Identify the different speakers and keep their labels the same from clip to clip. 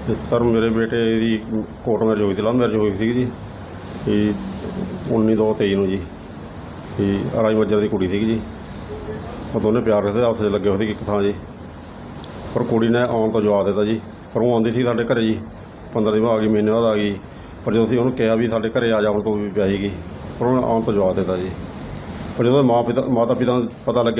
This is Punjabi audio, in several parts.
Speaker 1: ਸਰ ਮੇਰੇ ਬੇਟੇ ਦੀ ਕੋਰਟ ਮੈਰਿਜ ਹੋਈ ਸੀ, ਲਵ ਮੈਰਿਜ ਹੋਈ ਸੀ ਜੀ। ਇਹ 19/2/23 ਨੂੰ ਜੀ। ਇਹ ਰਾਜ ਮੱਜਰ ਦੀ ਕੁੜੀ ਸੀਗੀ ਜੀ। ਉਹ ਦੋਨੇ ਪਿਆਰ ਕਰਦੇ ਆਪਸ 'ਚ ਲੱਗੇ ਹੋਏ ਸੀ ਇੱਕ ਥਾਂ ਜੀ। ਪਰ ਕੁੜੀ ਨੇ ਆਉਣ ਤੋਂ ਜਵਾਬ ਦਿੱਤਾ ਜੀ। ਪਰ ਉਹ ਆਉਂਦੀ ਸੀ ਸਾਡੇ ਘਰ ਜੀ, 15 ਦਿਨ ਬਾਅਦ ਆ ਗਈ, ਮਹੀਨੇ ਬਾਅਦ ਆ ਗਈ। ਪਰ ਜਦੋਂ ਅਸੀਂ ਉਹਨੂੰ ਕਿਹਾ ਵੀ ਸਾਡੇ ਘਰ ਆ ਜਾਣ ਤੋਂ ਵੀ ਪਿਆ ਸੀਗੀ, ਪਰ ਉਹਨੇ ਆਉਣ ਤੋਂ ਜਵਾਬ ਦਿੱਤਾ ਜੀ। ਪਰ ਜਦੋਂ ਮਾਤਾ ਪਿਤਾ ਨੂੰ ਪਤਾ ਲੱਗਿਆ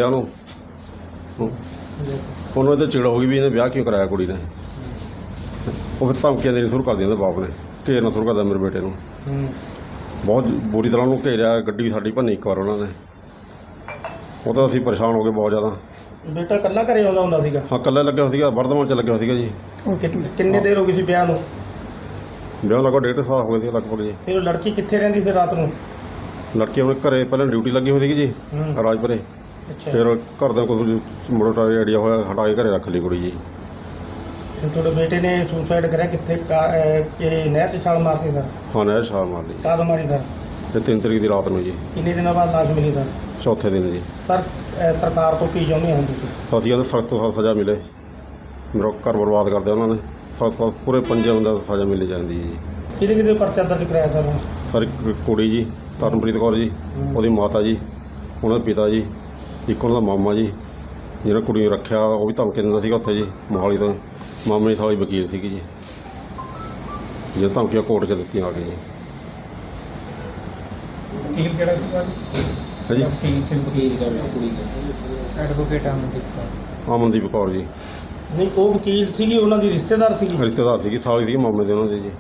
Speaker 1: ਉਹਨੂੰ ਇਹਦੇ ਚਿੜ ਹੋ ਗਈ ਵੀ ਇਹਨੇ ਵਿਆਹ ਕਿਉਂ ਕਰਾਇਆ ਕੁੜੀ ਨੇ। ਉਹ ਫਿਰ ਧਮਕੀਆਂ ਦੇਣੀ ਸ਼ੁਰੂ ਕਰ ਦਿੰਦੇ ਬਾਪ ਨੇ, ਘੇਰਨਾ ਸ਼ੁਰੂ ਕਰਦਾ ਮੇਰੇ ਬੇਟੇ ਨੂੰ। ਬਹੁਤ ਬੁਰੀ ਤਰ੍ਹਾਂ ਉਹਨੂੰ ਘੇਰਿਆ, ਗੱਡੀ ਵੀ ਸਾਡੀ ਭੰਨੀ ਇੱਕ ਵਾਰ ਉਹਨਾਂ ਨੇ। ਉਹ ਤਾਂ ਅਸੀਂ ਪਰੇਸ਼ਾਨ ਹੋ ਗਏ ਬਹੁਤ ਜ਼ਿਆਦਾ।
Speaker 2: ਬੇਟਾ ਇਕੱਲਾ ਘਰੇ ਆਉਂਦਾ ਹੁੰਦਾ ਸੀਗਾ?
Speaker 1: ਹਾਂ, ਇਕੱਲਾ ਲੱਗਿਆ ਹੋਇਆ ਸੀਗਾ, ਵਰਧਮਾਨ 'ਚ ਲੱਗਿਆ ਹੋਇਆ ਸੀਗਾ ਜੀ।
Speaker 2: ਕਿੰਨੀ ਦੇਰ ਹੋ ਗਈ ਸੀ ਵਿਆਹ ਨੂੰ?
Speaker 1: ਵਿਆਹ ਲਗਭਗ 1.5 ਸਾਲ ਹੋ ਗਏ ਸੀ ਲਗਭਗ ਜੀ।
Speaker 2: ਫਿਰ ਉਹ ਲੜਕੀ ਕਿੱਥੇ ਰਹਿੰਦੀ ਸੀ ਰਾਤ ਨੂੰ?
Speaker 1: ਲੜਕੀ ਆਪਣੇ ਘਰੇ ਪਹਿਲਾਂ ਡਿਊਟੀ ਲੱਗੀ ਹੋਈ ਸੀਗੀ ਜੀ ਰਾਜਪੁਰੇ।
Speaker 2: ਅੱਛਾ।
Speaker 1: ਫਿਰ ਘਰ ਦਾ ਕੋਈ ਮੋਟਾ ਆਈਡੀਆ ਹੋਇਆ, ਹਟਾ ਕੇ ਘਰੇ ਰੱਖ ਲਈ ਕੁੜੀ ਜੀ।
Speaker 2: ਫਿਰ ਤੁਹਾਡੇ ਬੇਟੇ ਨੇ ਸੁਸਾਈਡ ਕਰਿਆ ਕਿੱਥੇ? ਇਹ ਨਹਿਰ 'ਚ ਛਾਲ ਮਾਰਤੀ ਸਰ?
Speaker 1: ਹਾਂ, ਨਹਿਰ ਛਾਲ ਮਾਰ ਲਈ।
Speaker 2: ਕਦ ਮਾਰੀ ਸਰ?
Speaker 1: ਤੇ 3 ਤਰੀਕ ਦੀ ਰਾਤ ਨੂੰ ਜੀ।
Speaker 2: ਕਿੰਨੇ ਦਿਨਾਂ ਬਾਅਦ ਲਾਸ਼ ਮਿਲੀ ਸਰ?
Speaker 1: ਚੌਥੇ ਦਿਨ ਜੀ।
Speaker 2: ਸਰ ਸਰਕਾਰ ਤੋਂ ਕੀ ਚਾਹੁੰਦੇ ਹੋ ਤੁਸੀਂ?
Speaker 1: ਅਸੀਂ ਕਹਿੰਦੇ ਸਖਤ ਤੋਂ ਸਖਤ ਸਜ਼ਾ ਮਿਲੇ। ਮੇਰਾ ਘਰ ਬਰਬਾਦ ਕਰਦੇ ਉਹਨਾਂ ਨੇ। ਸਖਤ ਪੂਰੇ 5 ਬੰਦਿਆਂ ਨੂੰ ਸਜ਼ਾ ਮਿਲੀ ਜਾਂਦੀ ਹੈ ਜੀ।
Speaker 2: ਕਿਹਦੇ ਪਰਚਾ ਦਰਜ ਕਰਾਇਆ ਸਰ?
Speaker 1: ਸਰ ਇੱਕ ਕੁੜੀ ਜੀ, ਤਰਨਪ੍ਰੀਤ ਕੌਰ ਜੀ, ਉਹਦੀ ਮਾਤਾ ਜੀ, ਉਹਨਾਂ ਦੇ ਪਿਤਾ ਜੀ, ਇੱਕ ਉਹਨਾਂ ਦਾ ਮਾਮਾ ਜੀ ਜਿਹੜਾ ਕੁੜੀ ਨੂੰ ਰੱਖਿਆ, ਉਹ ਵੀ ਧਮਕੀ ਦਿੰਦਾ ਸੀਗਾ ਉੱਥੇ ਜੀ ਮੋਹਾਲੀ ਤੋਂ। ਮਾਮੇ ਦੀ ਸਾਲੀ ਵਕੀਲ ਸੀਗੀ ਜੀ, ਜਿਹੜੇ ਧਮਕੀਆਂ ਕੋਰਟ 'ਚ ਦਿੱਤੀਆਂ ਆ ਕੇ ਜੀ।
Speaker 3: ਵਕੀਲ ਕਿਹੜਾ ਸੀਗਾ
Speaker 1: ਹੈ ਜੀ?
Speaker 3: ਵਕੀਲ ਕੁੜੀ ਦਾ ਐਡਵੋਕੇਟ
Speaker 1: ਅਮਨਦੀਪ ਕੌਰ ਜੀ।
Speaker 2: ਨਹੀਂ, ਉਹ ਵਕੀਲ ਸੀਗੀ, ਉਹਨਾਂ ਦੀ ਰਿਸ਼ਤੇਦਾਰ ਸੀਗੀ?
Speaker 1: ਰਿਸ਼ਤੇਦਾਰ ਸੀਗੀ, ਸਾਲੀ ਸੀਗੀ ਮਾਮੇ ਦੇ ਉਹਨਾਂ ਦੇ ਜੀ।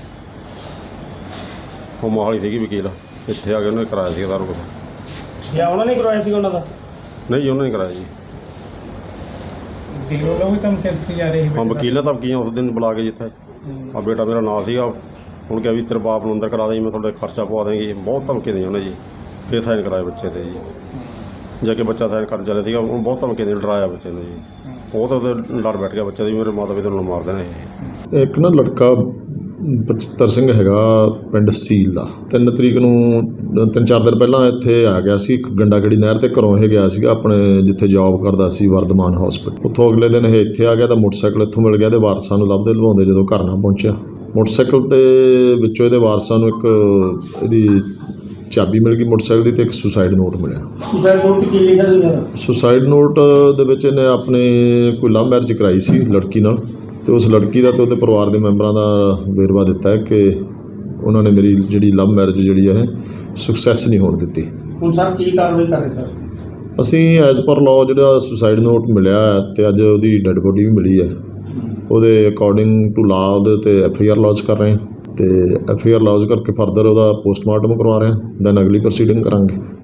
Speaker 1: ਉਹ ਮੋਹਾਲੀ ਸੀਗੀ ਵਕੀਲ, ਇੱਥੇ ਆ ਕੇ ਉਹਨੇ ਕਰਾਇਆ ਸੀਗਾ ਸਾਰਾ ਕੁਛ।
Speaker 2: ਜਾਂ ਉਹਨਾਂ ਨੇ ਕਰਵਾਇਆ ਸੀਗਾ ਉਹਨਾਂ ਦਾ?
Speaker 1: ਨਹੀਂ ਜੀ, ਉਹਨਾਂ ਨੇ ਕਰਾਇਆ ਜੀ।
Speaker 3: ਵਕੀਲ ਉਹਦਾ ਵੀ ਧਮਕੀ ਦਿੱਤੀ ਜਾ ਰਹੀ
Speaker 1: ਹਾਂ, ਵਕੀਲ ਨੇ ਧਮਕੀਆਂ ਉਸ ਦਿਨ ਬੁਲਾ ਕੇ ਜਿੱਥੇ ਆ ਬੇਟਾ ਮੇਰਾ ਨਾਲ ਸੀਗਾ, ਹੁਣ ਕਿਹਾ ਵੀ ਤੇਰੇ ਬਾਪ ਨੂੰ ਅੰਦਰ ਕਰਾ ਦੇਂ, ਮੈਂ ਤੁਹਾਡੇ ਖਰਚਾ ਪਵਾ ਦੇਂਗੀ। ਬਹੁਤ ਧਮਕੀ ਦੇਈ ਉਹਨੇ ਜੀ। ਫਿਰ ਸਾਈਨ ਕਰਾਏ ਬੱਚੇ 'ਤੇ ਜੀ। ਜਾ ਕੇ ਬੱਚਾ ਸਾਈਨ ਕਰਨ ਚੱਲਿਆ ਸੀਗਾ, ਉਹਨੂੰ ਬਹੁਤ ਧਮਕੀ ਦੇ ਡਰਾਇਆ ਬੱਚੇ ਨੂੰ ਜੀ। ਉਹ ਤਾਂ ਉਹਦੇ ਡਰ ਬੈਠ ਗਿਆ ਬੱਚੇ ਦੀ, ਮੇਰੇ ਮਾਤਾ ਪਿਤਾ ਨੂੰ ਮਾਰ ਦੇਣਾ ਇਹ।
Speaker 4: ਇੱਕ ਨਾ ਲੜਕਾ ਬਚਿੱਤਰ ਸਿੰਘ ਹੈਗਾ ਪਿੰਡ ਸੀਲ ਦਾ, 3 ਤਰੀਕ ਨੂੰ 3-4 ਦਿਨ ਪਹਿਲਾਂ ਇੱਥੇ ਆ ਗਿਆ ਸੀ ਗੰਡਾਗੜੀ ਨਹਿਰ 'ਤੇ। ਘਰੋਂ ਇਹ ਗਿਆ ਸੀਗਾ ਆਪਣੇ ਜਿੱਥੇ ਜੌਬ ਕਰਦਾ ਸੀ ਵਰਧਮਾਨ ਹੌਸਪੀਟਲ। ਉੱਥੋਂ ਅਗਲੇ ਦਿਨ ਇਹ ਇੱਥੇ ਆ ਗਿਆ ਤਾਂ ਮੋਟਰਸਾਈਕਲ ਇੱਥੋਂ ਮਿਲ ਗਿਆ। ਇਹਦੇ ਵਾਰਸਾਂ ਨੂੰ ਲੱਭਦੇ ਲਵਾਉਂਦੇ ਜਦੋਂ ਘਰ ਨਾ ਪਹੁੰਚਿਆ, ਮੋਟਰਸਾਈਕਲ 'ਤੇ ਵਿੱਚੋਂ ਇਹਦੇ ਵਾਰਸਾਂ ਨੂੰ ਇੱਕ ਇਹਦੀ ਚਾਬੀ ਮਿਲ ਗਈ ਮੋਟਰਸਾਈਕਲ ਦੀ, ਅਤੇ ਇੱਕ ਸੁਸਾਈਡ ਨੋਟ ਮਿਲਿਆ।
Speaker 2: ਸੁਸਾਈਡ ਨੋਟ ਕੀ ਲਿਖਿਆ ਸੀਗਾ?
Speaker 4: ਸੁਸਾਈਡ ਨੋਟ ਦੇ ਵਿੱਚ ਇਹਨੇ ਆਪਣੇ ਕੋਈ ਲਵ ਮੈਰਿਜ ਕਰਾਈ ਸੀ ਲੜਕੀ ਨਾਲ, ਅਤੇ ਉਸ ਲੜਕੀ ਦਾ ਅਤੇ ਉਹਦੇ ਪਰਿਵਾਰ ਦੇ ਮੈਂਬਰਾਂ ਦਾ ਵੇਰਵਾ ਦਿੱਤਾ ਹੈ ਕਿ ਉਹਨਾਂ ਨੇ ਮੇਰੀ ਜਿਹੜੀ ਲਵ ਮੈਰਿਜ ਜਿਹੜੀ ਹੈ ਸਕਸੈਸ ਨਹੀਂ ਹੋਣ ਦਿੱਤੀ।
Speaker 2: ਹੁਣ ਸਰ ਕੀ ਕਾਰਵਾਈ ਕਰ ਰਹੇ ਸਰ?
Speaker 4: ਅਸੀਂ ਐਜ਼ ਪਰ ਲਾਅ ਜਿਹੜਾ ਸੁਸਾਈਡ ਨੋਟ ਮਿਲਿਆ ਅਤੇ ਅੱਜ ਉਹਦੀ ਡੈੱਡ ਬੋਡੀ ਵੀ ਮਿਲੀ ਹੈ, ਉਹਦੇ ਅਕੋਰਡਿੰਗ ਟੂ ਲਾਅ ਉਹਦੇ 'ਤੇ FIR ਲੌਜ ਕਰ ਰਹੇ ਹਾਂ, ਅਤੇ FIR ਲੌਜ ਕਰਕੇ ਫਰਦਰ ਉਹਦਾ ਪੋਸਟਮਾਰਟਮ ਕਰਵਾ ਰਹੇ ਹਾਂ, ਦੈਨ ਅਗਲੀ ਪ੍ਰੋਸੀਡਿੰਗ ਕਰਾਂਗੇ।